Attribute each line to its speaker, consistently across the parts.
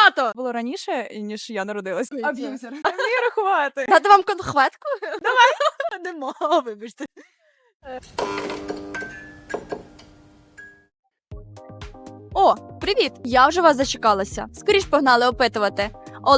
Speaker 1: багато!
Speaker 2: Було раніше, ніж я народилась.
Speaker 1: Аб'юзер.
Speaker 2: А вмію рахувати.
Speaker 1: Дати вам конхветку?
Speaker 2: Нема, вибачте.
Speaker 1: О, привіт! Я вже вас зачекалася. Скоріш погнали опитувати.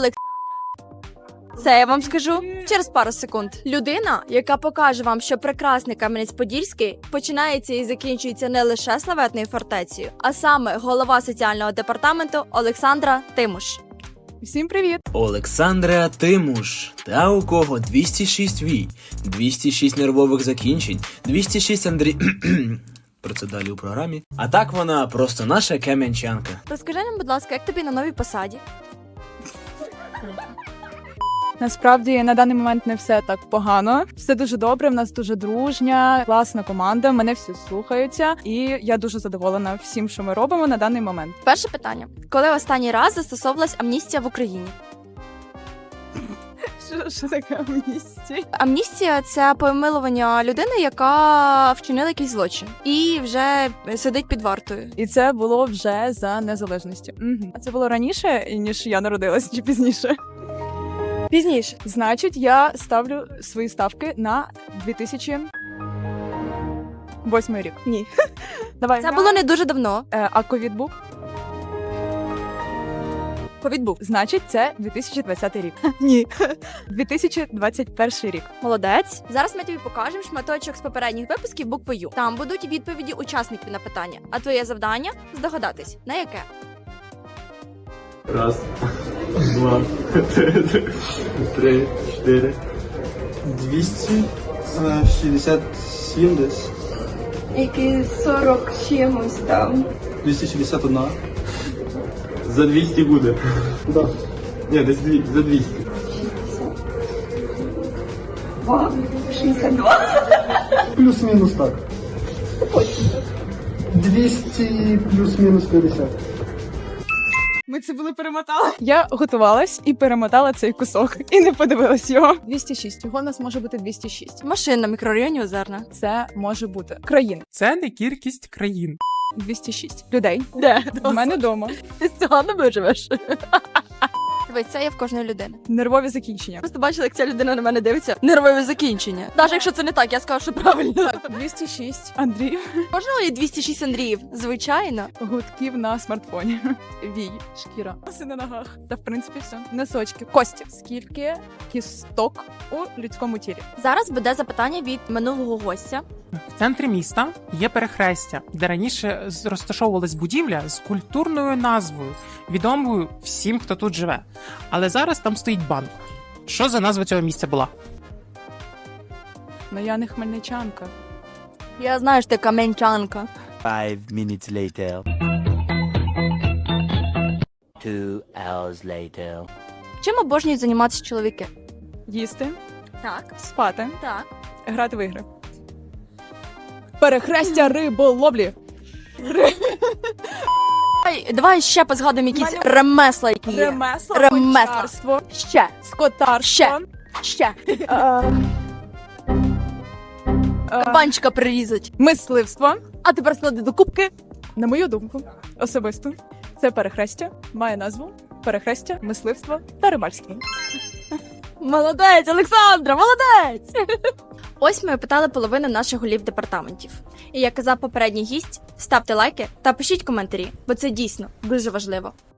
Speaker 1: Це я вам скажу через пару секунд. Людина, яка покаже вам, що прекрасний Кам'янець-Подільський починається і закінчується не лише славетною фортецею, а саме голова соціального департаменту Олександра Тимуш.
Speaker 2: Всім привіт.
Speaker 3: Олександра Тимуш. Та у кого 206 вій, 206 нервових закінчень, 206 Андрій... Про це далі у програмі. А так вона просто наша кам'янчанка.
Speaker 1: Розкажи нам, будь ласка, як тобі на новій посаді?
Speaker 2: Насправді на даний момент не все так погано. Все дуже добре. В нас дуже дружня, класна команда. Мене всі слухаються, і я дуже задоволена всім, що ми робимо на даний момент.
Speaker 1: Перше питання: коли останній раз застосовувалась амністія в Україні?
Speaker 2: Що таке амністія?
Speaker 1: Амністія – це помилування людини, яка вчинила якийсь злочин і вже сидить під вартою.
Speaker 2: І це було вже за незалежності. А це було раніше, ніж я народилась, чи пізніше?
Speaker 1: Пізніше.
Speaker 2: Значить, я ставлю свої ставки на 2008 рік.
Speaker 1: Ні.
Speaker 2: Давай.
Speaker 1: Це було не дуже давно.
Speaker 2: А ковід був?
Speaker 1: Ковід був.
Speaker 2: Значить, це 2020 рік.
Speaker 1: Ні.
Speaker 2: 2021 рік.
Speaker 1: Молодець. Зараз ми тобі покажемо шматочок з попередніх випусків буквою. Там будуть відповіді учасників на питання. А твоє завдання – здогадатись, на яке?
Speaker 4: Раз, два, три, чотири. 267 десь.
Speaker 5: Які 40 чимось там.
Speaker 4: 261. За 200 буде. Да. Ні, десь за 200.
Speaker 5: 2, 62.
Speaker 6: Плюс-мінус так. 200 плюс-мінус 50.
Speaker 2: Ми це були перемотали. Я готувалась і перемотала цей кусок. І не подивилась його. 206. Його у нас може бути 206.
Speaker 1: Машин на мікрорайоні Озерна.
Speaker 2: Це може бути країн.
Speaker 7: Це не кількість країн.
Speaker 2: 206 людей.
Speaker 1: Де?
Speaker 2: У мене вдома.
Speaker 1: Ти з цього не виживеш. Дивись, це є в кожної людини.
Speaker 2: Нервові закінчення.
Speaker 1: Просто бачила, як ця людина на мене дивиться. Нервове закінчення. Навіть якщо це не так, я скажу, що правильно.
Speaker 2: Так, 206 Андрій.
Speaker 1: Кожного є 206 Андріїв. Звичайно.
Speaker 2: Гудків на смартфоні. Вій, шкіра. Оси на ногах. Та в принципі все. Носочки. Кості. Скільки кісток у людському тілі?
Speaker 1: Зараз буде запитання від минулого гостя.
Speaker 7: В центрі міста є перехрестя, де раніше розташовувалась будівля з культурною назвою, відомою всім, хто тут живе. Але зараз там стоїть банк. Що за назва цього місця була?
Speaker 2: Ну я не хмельничанка.
Speaker 1: Я знаю, що ти кам'янчанка.
Speaker 8: 5 minutes later. 2 hours later.
Speaker 1: Чим обожнюють займатися чоловіки?
Speaker 2: Їсти,
Speaker 1: Так.
Speaker 2: спати,
Speaker 1: Так.
Speaker 2: грати в ігри. Перехрестя риболовлі.
Speaker 1: Давай ще позгадуємо якісь
Speaker 2: Мене-
Speaker 1: ремесла, які є.
Speaker 2: Ремесло,
Speaker 1: Ремесла.
Speaker 2: гончарство,
Speaker 1: Ще.
Speaker 2: скотарство.
Speaker 1: Ще.
Speaker 2: е,
Speaker 1: Кабанчика прирізать.
Speaker 2: Мисливство.
Speaker 1: А тепер склади до кубки.
Speaker 2: На мою думку, особисто, це перехрестя має назву перехрестя, мисливство та рибальство.
Speaker 1: Молодець, Олександра, молодець! Ось ми опитали половину наших голів департаментів. І як казав попередній гість, ставте лайки та пишіть коментарі, бо це дійсно дуже важливо.